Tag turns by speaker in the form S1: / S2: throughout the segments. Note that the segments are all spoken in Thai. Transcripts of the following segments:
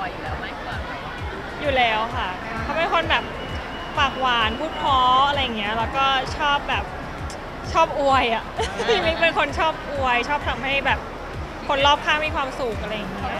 S1: อยๆอยู่แล้วไหมก่อน
S2: อยู่แล้วค่ะเขาเป็นคนแบบปากหวานพูดเพราะอะไรอย่างเงี้ยแล้วก็ชอบแบบชอบอวยอ่ะ พี่มิกเป็นคนชอบอวยชอบทำให้แบบคนรอบข้างมีความสุขอะไรอย่างเงี้ย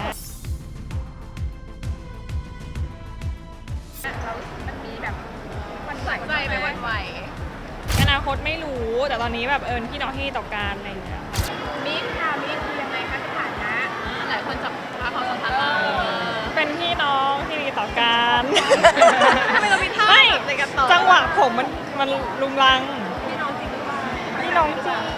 S1: เรามันมีแบบวันใส่ใจไปวันไหว
S2: อนาคตไม่รู้แต่ตอนนี้แบบพี่น้องที่ต่อการอะไรอย่างเงี้ย
S1: มิกค่ะมิกคือยังไงคะสถานะหลายคนจับตาความสัมพันธ์เรา
S2: เป็นพี่น้องที่ดีต่อกัน
S1: ทำไมเรามีท่าแบบในการต่อ
S2: จังหวะผมมันลุงลัง
S1: พี่น้องจริงหรือเปล่า
S2: พี่น้องจริง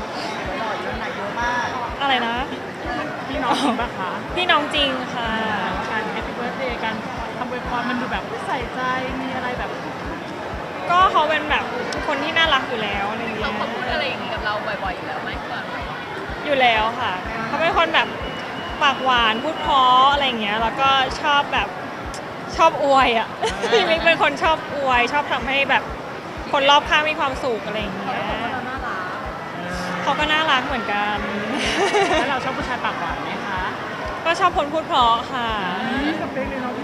S2: อะไรนะ
S3: พี่น้องจริงปะคะ
S2: พี่น้องจริงค่ะ
S3: การแฮปปี้เบิร์ธเดย์กันทำอวยพรมันดูแบบใส่ใจมีอะไรแบบ
S2: ก็เขาเป็นแบบคนที่น่ารักอยู่แล้วอะไรอย่างเงี้ย
S1: เขาพูดอะไรอย่างนี้กับเราบ่อยๆอยู่แล้วไหมก่อน
S2: อยู่แล้วค่ะเขาเป็นคนแบบปากหวานพูดเพราะอะไรอย่างเงี้ยแล้วก็ชอบแบบชอบอวยอ่ะ พี่มิกเป็นคนชอบอวยชอบทำให้แบบคนรอบข้างมีความสุขอะไรอย่างเงี้ยเขาก็น่ารักเหมือนกัน
S3: แล้วเราชอบผู้ชายปากหวานไหมคะ
S2: ก็ชอบคนพูดเพราะค่ะ
S3: สเปคเลยเนาะ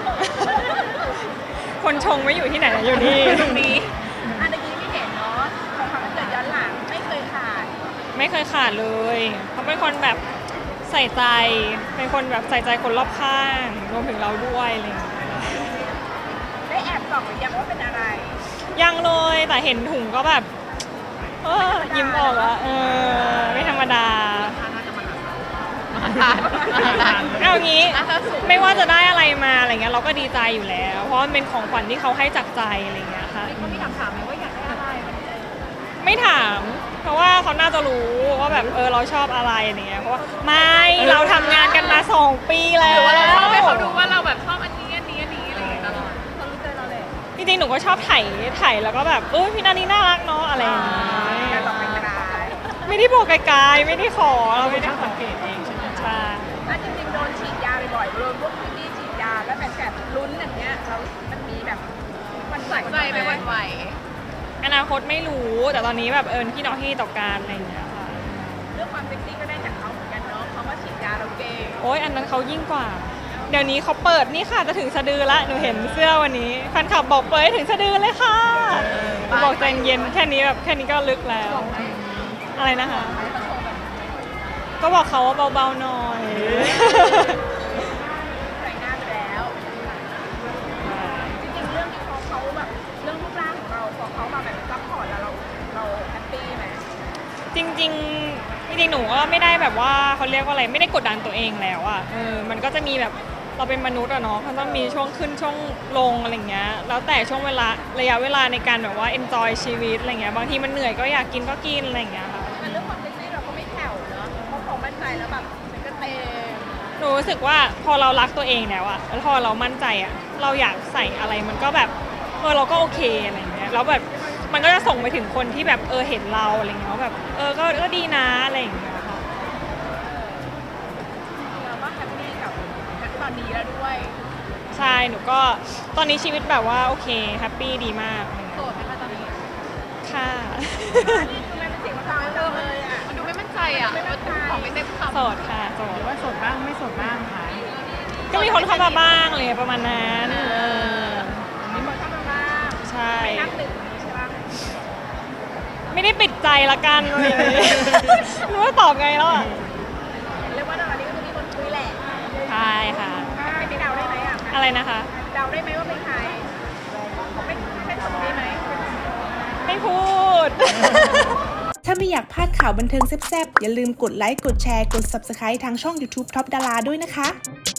S2: คนชงไม่อยู่ที่ไหนนะอยู่นี่
S1: ตรงนี้อันนี้ไม่เห็นเนาะของเขาเกิดย้อนหลังไม่เคยขาด
S2: ไม่เคยขาดเลยเขาเป็นคนแบบใส่ใจเป็นคนแบบใส่ใจคนรอบข้างรวมถึงเราด้วยอะไรอย่างเงี้ย
S1: ได้แอบส่องหรือยังว่าเป็นอะไร
S2: ยังเลยแต่เห็นถุงก็แบบยิ้มออกแล้วไม่ธรรมดาเอางี้ไม่ว่าจะได้อะไรมาอะไรเงี้ยเราก็ดีใจอยู่แล้ว เพราะมันเป็นของขวัญที่เขาให้จากใจอะไรเงี้ยค่ะ
S1: เขาไม่ถามไหมว่าอยากได้อะไร
S2: ไม่ถามเพราะว่าเขาน่าจะรู้ว่าแบบเราชอบอะไรอะไรเงี้ยเพราะว่าไม่เราทำงานกันมา2 ปีแล้ว
S1: หรือว่าเราชอบให้เขาดูว่าเราแบบชอบอันนี้อะไรอย่างเงี้ยตลอดเขารู้ใจเราเลย
S2: จริงๆหนูก็ชอบถ่ายแล้วก็แบบพี่นานี่น่ารักเนาะอะไรอย่างเงี้ยไม่ได้บอกไกลๆไม่ได้ขอเราไม่ได้
S3: สังเกตเองใช่ไหม
S2: ใช่
S1: จริงๆโดนฉีดยาบ่อยๆโดนพวกพี่ฉีดยาแล้วแบบลุ้นอย่างเงี้ยเรามันมีแบบวันใส่ใจไปวันไหว
S2: อนาคตไม่รู้แต่ตอนนี้แบบพี่น้องที่ต่อการอะไรอย่างเงี้ยค่ะ
S1: เรื่องความเซ็กซี่ก็ได้จากเขาเหมือนกันเนาะเขามาฉีดยาเราเก่ง
S2: โอ้ยอันนั้นเขายิ่งกว่าเดี๋ยวนี้เขาเปิดนี่ค่ะจะถึงสะดือละหนูเห็นเสื้อวันนี้แฟนคลับบอกเปิดถึงสะดือเลยค่ะบอกใจเย็นแค่นี้แบบแค่นี้ก็ลึกแล้วอะไรนะคะก็บอกเขาว่าเบาๆหน่อย
S1: ใส่หน้าไปแล้วจริงๆเรื่องที่เขาแบบเรื่องรูปร่างของเราพอเขามาแบบซัพพอร์ตแล้วเราแฮปปี้ไหม
S2: จริงๆหนูก็ไม่ได้แบบว่าเขาเรียกว่าอะไรไม่ได้กดดันตัวเองแล้วอ่ะมันก็จะมีแบบเราเป็นมนุษย์อะเนาะเขาต้องมีช่วงขึ้นช่วงลงอะไรเงี้ยแล้วแต่ช่วงเวลาระยะเวลาในการแบบว่า enjoy ชีวิตอะไรเงี้ยบางทีมันเหนื่อยก็อยากกินก็กินอะไรเงี้ยค่ะ
S1: เรื่องความเซ็กซี่เราก็ไม่แผ่วเนาะเพราะของมั่นใจแล้วแบบมันก็เต็ม
S2: หนูรู้สึกว่าพอเรารักตัวเองแล้วอะแล้วพอเรามั่นใจอะเราอยากใส่อะไรมันก็แบบเราก็โอเคอะไรเงี้ยแล้วแบบมันก็จะส่งไปถึงคนที่แบบเห็นเราอะไรเงี้ยว่าแบบก็ดีนะอะไรอย่างเงี้ยค่ะ
S1: เราก็แฮปปี้กับตอนนี้แล้วด้วย
S2: ใช่หนูก็ตอนนี้ชีวิตแบบว่าโอเคแฮปปี้ดีมาก
S1: โสดไหมคะตอนนี้
S2: ค่ะ
S1: นี่คือมันเป็นเสียงฟังเลยอ่ะมันดูไม่มั่นใจอ่ะไม่มั่นใจของไม่เต็มคำ
S2: โสดค่ะโสด
S3: หรือว่าโสดบ้างไม่โสดบ้างค่ะ
S2: ก็มีคนเข้ามาบ้างเลยประมาณนั้น
S1: มีคนเข้ามาบ้าง
S2: ใช่
S1: ไม่นับหนึ่งใช่ปะ
S2: ไม่ได้ปิดใจละกันเลยรู้ว่าตอบไงแล้วอ่ะ
S1: เรียกว่าตอนนี้ก็คือมีคนคุยแหละ
S2: ใช่ค่ะ
S1: ไปเดาได้ไหมอ่ะ
S2: อะไรนะคะ
S1: เดาได้ไหมว่าเป็นใครไม่ตอบได้ไหม
S2: ไม่พูด
S4: ถ้าไม่อยากพลาดข่าวบันเทิงแซ่บๆอย่าลืมกดไลค์กดแชร์กด Subscribe ทางช่อง YouTube Top Dara ด้วยนะคะ